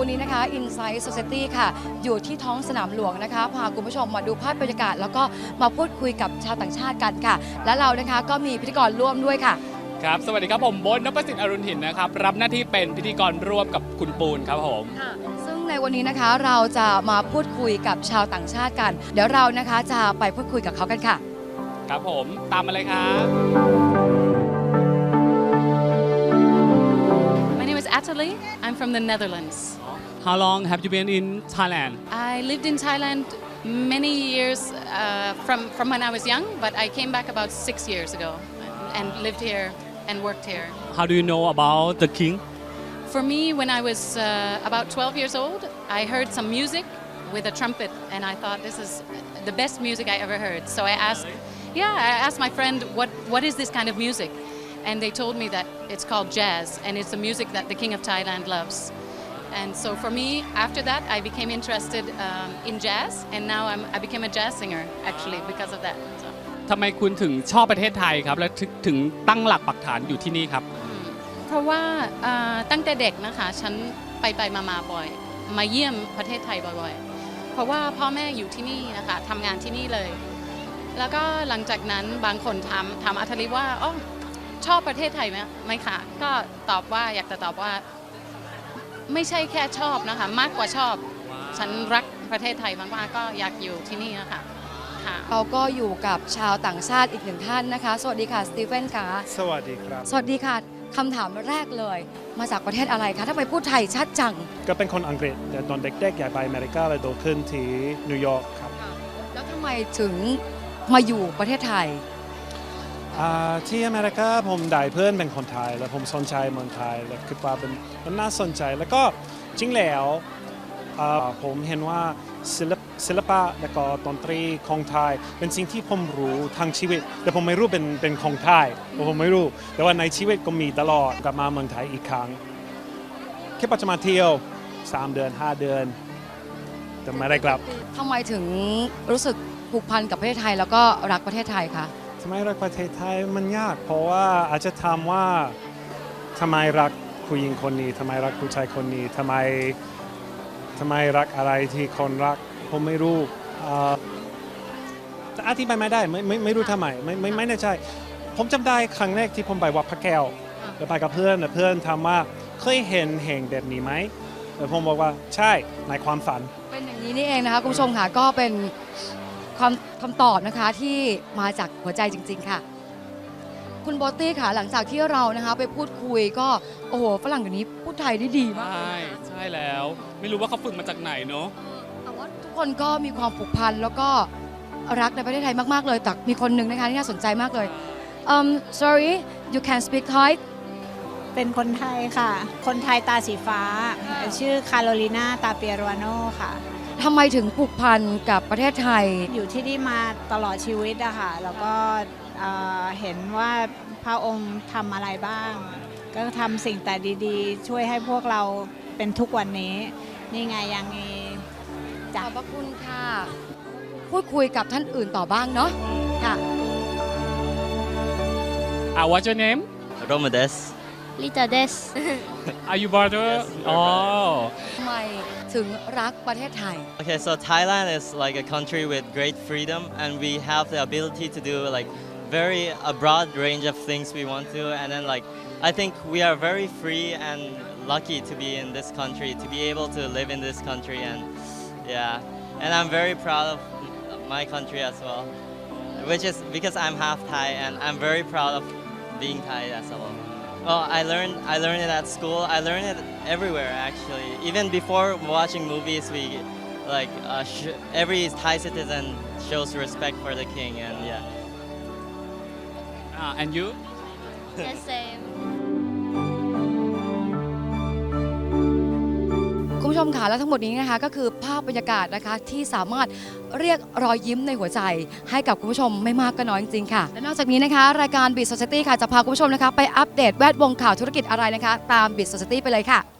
วันนี้นะคะ Inside Society ค่ะอยู่ที่ท้องสนามหลวงนะคะพาคุณผู้ชมมาดูภาพบรรยากาศแล้วก็มาพูดคุยกับชาวต่างชาติกันค่ะและเรานะคะก็มีพิธีกรร่วมด้วยค่ะครับสวัสดีครับผมโบ๊ท นพสิทธิ์ อรุณถิ่นนะครับรับหน้าที่เป็นพิธีกรร่วมกับคุณปูนครับผมซึ่งในวันนี้นะคะเราจะมาพูดคุยกับชาวต่างชาติกันเดี๋ยวเรานะคะจะไปพูดคุยกับเขากันค่ะครับผมตามมาเลยครับ My name is Atali. I'm from the Netherlands. How long have you been in Thailand? I lived in Thailand many years from when I was young, but I came back about 6 years ago and lived here and worked here. How do you know about the king? For me, when I was about 12 years old, I heard some music with a trumpet, and I thought this is the best music I ever heard. So I asked my friend, what is this kind of music? And they told me that it's called jazz, and it's the music that the King of Thailand loves. And so for me, after that, I became interested in jazz, and now I became a jazz singer, actually, because of that. So. ทำไมคุณถึงชอบประเทศไทยครับและถึงตั้งหลักปักฐานอยู่ที่นี่ครับเพราะว่าตั้งแต่เด็กนะคะฉันไปมาบ่อยมาเยี่ยมประเทศไทยบ่อยๆเพราะว่าพ่อแม่อยู่ที่นี่นะคะทำงานที่นี่เลยแล้วก็หลังจากนั้นบางคนถามอัธริว่าอ๋อชอบประเทศไทยไหมคะก็ตอบว่าอยากจะตอบว่าไม่ใช่แค่ชอบนะคะมากกว่าชอบฉันรักประเทศไทยมากๆก็อยากอยู่ที่นี่นะคะเราก็อยู่กับชาวต่างชาติอีกหนึ่งท่านนะคะสวัสดีค่ะสตีเฟนค่ะสวัสดีครับสวัสดีค่ะคำถามแรกเลยมาจากประเทศอะไรคะถ้าไปพูดไทยชัดจังก็เป็นคนอังกฤษแต่ตอนเด็กๆอยากไปอเมริกาเลยโตขึ้นที่นิวยอร์กครับแล้วทำไมถึงมาอยู่ประเทศไทยที่อเมริกาผมได้เพื่อนเป็นคนไทยแล้วผมสนใจเมืองไทยแล้วคิดว่ามันน่าสนใจแล้วก็จริงแล้วผมเห็นว่าศิลปะและก็ดนตรีของไทยเป็นสิ่งที่ผมรู้ทั้งชีวิตแต่ผมไม่รู้เป็นของไทยผมไม่รู้แต่ว่าในชีวิตก็มีตลอดกลับมาเมืองไทยอีกครั้งแค่ปัจจุบันเที่ยว3 เดือน 5 เดือนแต่ไม่ได้กลับทำไมถึงรู้สึกผูกพันกับประเทศไทยแล้วก็รักประเทศไทยคะทำไมรักประเทศไทยมันยากเพราะว่าอาจจะถามว่าทำไมรักผู้หญิงคนนี้ทำไมรักผู้ชายคนนี้ทำไมรักอะไรที่คนรักผมไม่รู้อธิบายไม่ได้ไม่รู้ทำไมไม่แน่ใจผมจำได้ครั้งแรกที่ผมไปวัดพระแก้วแล้วไปกับเพื่อนถามว่าเคยเห็นแห่งแบบนี้ไหมแล้วผมบอกว่าใช่ในความฝันเป็นอย่างนี้นี่เองนะคะคุณผู้ชมค่ะก็เป็นคำตอบนะคะที่มาจากหัวใจจริงๆค่ะคุณโบตี้ค่ะหลังจากที่เรานะคะไปพูดคุยก็โอ้โหฝรั่งเดี๋ยวนี้พูดไทยได้ดีมากใช่แล้วไม่รู้ว่าเขาฝึกมาจากไหนเนาะแต่ว่าทุกคนก็มีความผูกพันแล้วก็รักในประเทศไทยมากๆเลยแต่มีคนหนึ่งนะคะที่น่าสนใจมากเลยsorry you can speak Thai เป็นคนไทยค่ะคนไทยตาสีฟ้าชื่อคาโรลีนาตาเปียโรโนค่ะทำไมถึงผูกพันกับประเทศไทยอยู่ที่นี่มาตลอดชีวิตอะค่ะแล้วก็เห็นว่าพระองค์ทำอะไรบ้างก็ทำสิ่งแต่ดีๆช่วยให้พวกเราเป็นทุกวันนี้นี่ไงยังมีขอบพระคุณค่ะพูดคุยกับท่านอื่นต่อบ้างเนาะค่ะ What's your name? Romudes. Lita Des. Are you brother? Oh. ทำไมถึงรักประเทศไทย Okay, so Thailand is like a country with great freedom, and we have the ability to do like a broad range of things we want to, and then like I think we are very free and lucky to be in this country, to be able to live in this country, and and I'm very proud of my country as well, which is because I'm half Thai, and I'm very proud of being Thai as well. Well, I learned it at school. I learned it everywhere actually. Even before watching movies, we like every Thai citizen shows respect for the king, and And you? The same. คุณผู้ชมค่ะและทั้งหมดนี้นะคะก็คือภาพบรรยากาศนะคะที่สามารถเรียกรอยยิ้มในหัวใจให้กับคุณผู้ชมไม่มากก็น้อยจริงๆค่ะและนอกจากนี้นะคะรายการ Beat Society ค่ะจะพาคุณผู้ชมนะคะไปอัปเดตแวดวงข่าวธุรกิจอะไรนะคะตาม Beat Society ไปเลยค่ะ